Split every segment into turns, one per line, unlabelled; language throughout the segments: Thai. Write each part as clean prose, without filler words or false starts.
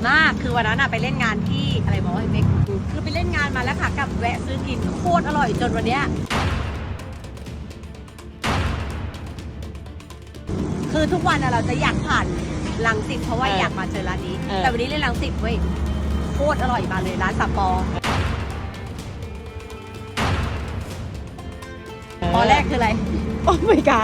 มากคือวันนั้นอะไปเล่นงานที่อะไรบอกว่าเม็กคือไปเล่นงานมาแล้วค่ะกับแวะซื้อกินโคตรอร่อยจนวันเนี้ยคือทุกวันเราจะอยากผ่านรังสิตเพราะว่าอยากมาเจอร้านนี้แต่วันนี้เล่นรังสิตเว้ยโคตรอร่อยมาเลยร้านสปอปอแรกคืออะไรโอ้ไม่กล้า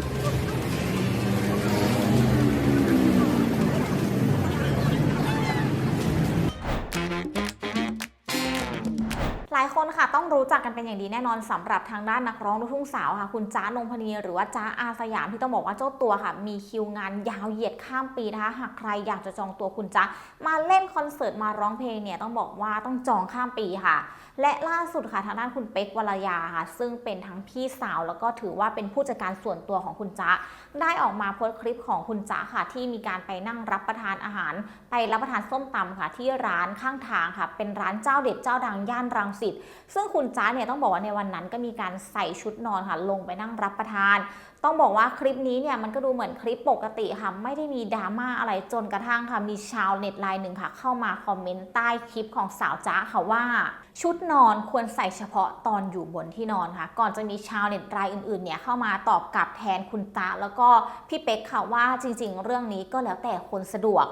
หลายคนค่ะต้องรู้จักกันเป็นอย่างดีแน่นอนสำหรับทางด้านนักร้องลูกทุ่งสาวค่ะคุณจ๊ะนงพนีหรือว่าจ๊ะอาสยามที่ต้องบอกว่าเจ้าตัวค่ะมีคิวงานยาวเหยียดข้ามปีนะคะหากใครอยากจะจองตัวคุณจ๊ะมาเล่นคอนเสิร์ตมาร้องเพลงเนี่ยต้องบอกว่าต้องจองข้ามปีค่ะและล่าสุดค่ะทางด้านคุณเป๊กวรยาค่ะซึ่งเป็นทั้งพี่สาวแล้วก็ถือว่าเป็นผู้จัดการส่วนตัวของคุณจ๊ะได้ออกมาโพสต์คลิปของคุณจ๊ะค่ะที่มีการไปนั่งรับประทานอาหารไปรับประทานส้มตำค่ะที่ร้านข้างทางค่ะเป็นร้านเจ้าเด็ดเจ้าดังย่านรังสิตซึ่งคุณจ๊ะเนี่ยต้องบอกว่าในวันนั้นก็มีการใส่ชุดนอนค่ะลงไปนั่งรับประทานต้องบอกว่าคลิปนี้เนี่ยมันก็ดูเหมือนคลิปปกติค่ะไม่ได้มีดราม่าอะไรจนกระทั่งค่ะมีชาวเน็ตรายหนึ่งค่ะเข้ามาคอมเมนต์ใต้คลิปของสาวจ๊ะค่ะว่าชุดนอนควรใส่เฉพาะตอนอยู่บนที่นอนค่ะก่อนจะมีชาวเน็ตรายอื่นๆเนี่ยเข้ามาตอบกลับแทนคุณจ๊ะแล้วก็พี่เป๊กค่ะว่าจริงๆเรื่องนี้ก็แล้วแต่คนสะดวก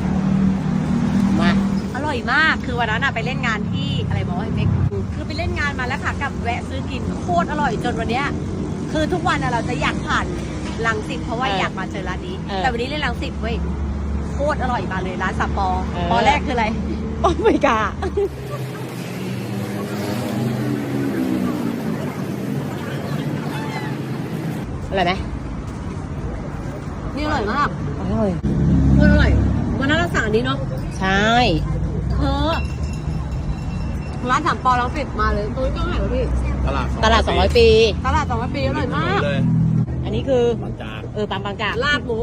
อร่อยมากคือวันนั้นไปเล่นงานที่อะไรบอกว่าเม็กคือไปเล่นงานมาแล้วค่ะกับแวะซื้อกินโคตรอร่อยจนวันเนี้ยคือทุกวันเราจะอยากผ่านรังสิตเพราะว่าอยากมาเจอร้านนี้แต่วันนี้เล่นรังสิตเว้ยโคตรอร่อยมาเลยร้านสปอปอแรกคืออะไรโอ้ไม่กล้าอร่อยไหมนี่อร่อยมากอร่อยโคตรอร่อยวันนั้นเราสั่งอันนี้เนาะ
ใช่
ร้านสามปอรังสิตมาเลยตัวนี้ก็ไหนวะพี่
ตลาด200 ปี
ตลาด200 ปีอร่อยมาก
อันนี้คือบ
างจาก
ปั๊มบางจาก
ลาบหมู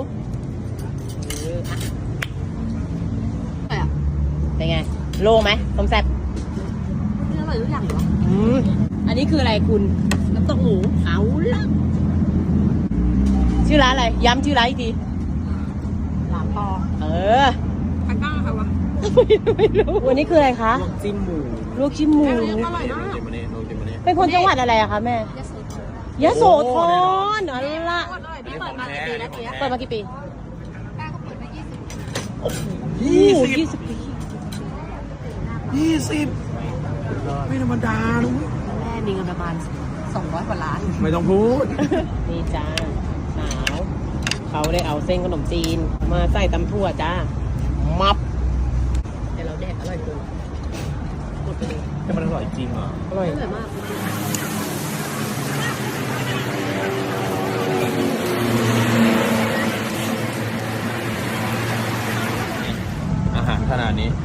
เป็นไงโล่งไหมต้มแซ่บ
อร่อยทุกอย่างเหรอ
อันนี้คืออะไรคุณ
น้ำตกหมูเอาละ
ชื่อร้านอะไรย้ำชื่อร้านอีกที
ร้านปอใครกล้าใครวะ
ไม่รู้วันนี้คืออะไรคะ
ลวกจิ้มหมู
ลวกจิ้มหมู
อร่อยมาก
เป็นคนจังหวัดอะไรอะคะแม่ยโสธรอ๋อละ
พี่เปิดมากี่ปีแล้วทีนี้
เปิดมากี่ปี
20 ปีไม่ธรรมดาลูก
แม่มีเงินประมาณ200 กว่าล้าน
ไม่ต้องพูด
นี่จ้าสาวเขาได้เอาเส้นขนมจีนมาใส่ตำถั่วจ้ามับ
แต่เราแดกอร่อยจริงหมดไปเลย
แต่มันอร่อยจริงเหรอ
อร่อย
มาก
อาหารขนาดนี้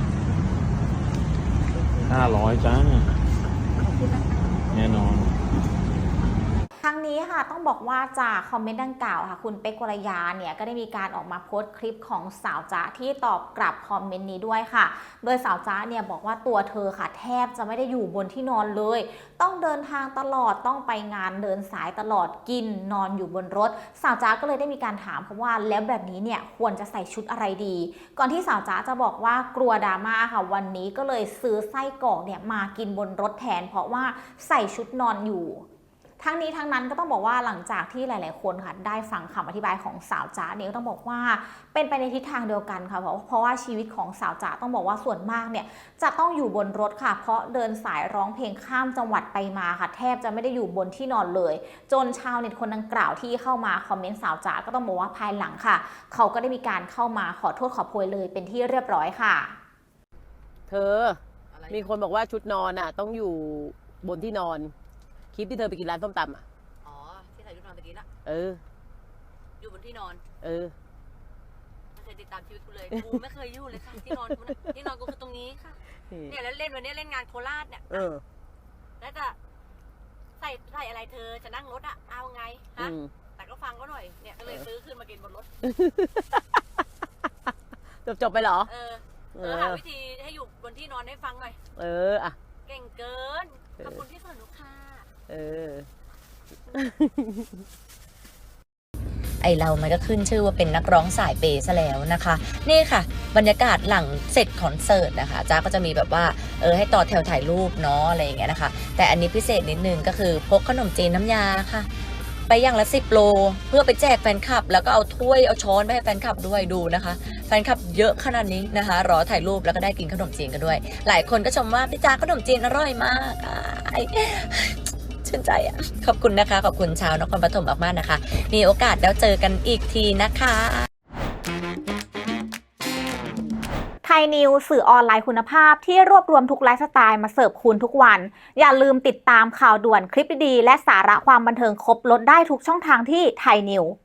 500จ้าแน่นอน
ทั้งนี้ค่ะต้องบอกว่าจากคอมเมนต์ดังกล่าวค่ะคุณเป๊กวรยาเนี่ยก็ได้มีการออกมาโพสต์คลิปของสาวจ๊ะที่ตอบกลับคอมเมนต์นี้ด้วยค่ะโดยสาวจ๊ะเนี่ยบอกว่าตัวเธอค่ะแทบจะไม่ได้อยู่บนที่นอนเลยต้องเดินทางตลอดต้องไปงานเดินสายตลอดกินนอนอยู่บนรถสาวจ๊ะก็เลยได้มีการถามเขาว่าแล้วแบบนี้เนี่ยควรจะใส่ชุดอะไรดีก่อนที่สาวจ๊ะจะบอกว่ากลัวดราม่าค่ะวันนี้ก็เลยซื้อไส้กรอกเนี่ยมากินบนรถแทนเพราะว่าใส่ชุดนอนอยู่ทั้งนี้ทั้งนั้นก็ต้องบอกว่าหลังจากที่หลายๆคนค่ะได้ฟังคำอธิบายของสาวจ๊ะเนี่ยก็ต้องบอกว่าเป็นไปในทิศทางเดียวกันค่ะเพราะว่าชีวิตของสาวจ๊ะต้องบอกว่าส่วนมากเนี่ยจะต้องอยู่บนรถค่ะเพราะเดินสายร้องเพลงข้ามจังหวัดไปมาค่ะแทบจะไม่ได้อยู่บนที่นอนเลยจนชาวเน็ตคนดังกล่าวที่เข้ามาคอมเมนต์สาวจ๊ะก็ต้องบอกว่าภายหลังค่ะเขาก็ได้มีการเข้ามาขอโทษขอโพยเลยเป็นที่เรียบร้อยค่ะ
เธอมีคนบอกว่าชุดนอนอ่ะต้องอยู่บนที่นอนคลิปที่เธอไปกินร้านส้มตำอ่ะ
อ๋อที่ใส่ชุดนอนตะกี้น่ะอยู่บนที่นอนไม่เคยติดตามชีวิตกูเลยกูไม่เคยอยู่เลยค่ะที่นอนกูที่นอนกูคือตรงนี้ค่ะเนี่ยแล้วเล่นวันนี้เล่นงานโคราชเนี่ยแล้วจะใส่อะไรเธอจะนั่งรถอ่ะเอาไงฮะแต่ก็ฟังก็หน่อยเนี่ยก็เลยซื้อขึ้นมากินบนรถ
จบไปเหรอ
หาวิธีให้อยู่บนที่นอนให้ฟังหน่อย
อ่ะ
เก่งเกินขอบคุณที่สอนลูกค้า
ไอเรามันก็ขึ้นชื่อว่าเป็นนักร้องสายเปย์ซะแล้วนะคะนี่ค่ะบรรยากาศหลังเสร็จคอนเสิร์ตนะคะจ้าก็จะมีแบบว่าให้ต่อแถวถ่ายรูปเนาะอะไรอย่างเงี้ยนะคะแต่อันนี้พิเศษนิดนึงก็คือพกขนมจีนน้ำยาค่ะไปอย่างละ10 โลเพื่อไปแจกแฟนคลับแล้วก็เอาถ้วยเอาช้อนไปให้แฟนคลับด้วยดูนะคะแฟนคลับเยอะขนาดนี้นะคะรอถ่ายรูปแล้วก็ได้กินขนมจีนกันด้วยหลายคนก็ชมว่าพี่จ้าขนมจีนอร่อยมากชื่นใจอ่ะขอบคุณนะคะขอบคุณชาวนครปฐมมากๆนะคะมีโอกาสแล้วเจอกันอีกทีนะคะ
ไทยนิวสื่อออนไลน์คุณภาพที่รวบรวมทุกไลฟ์สไตล์มาเสิร์ฟคุณทุกวันอย่าลืมติดตามข่าวด่วนคลิปดีๆและสาระความบันเทิงครบลดได้ทุกช่องทางที่ไทยนิว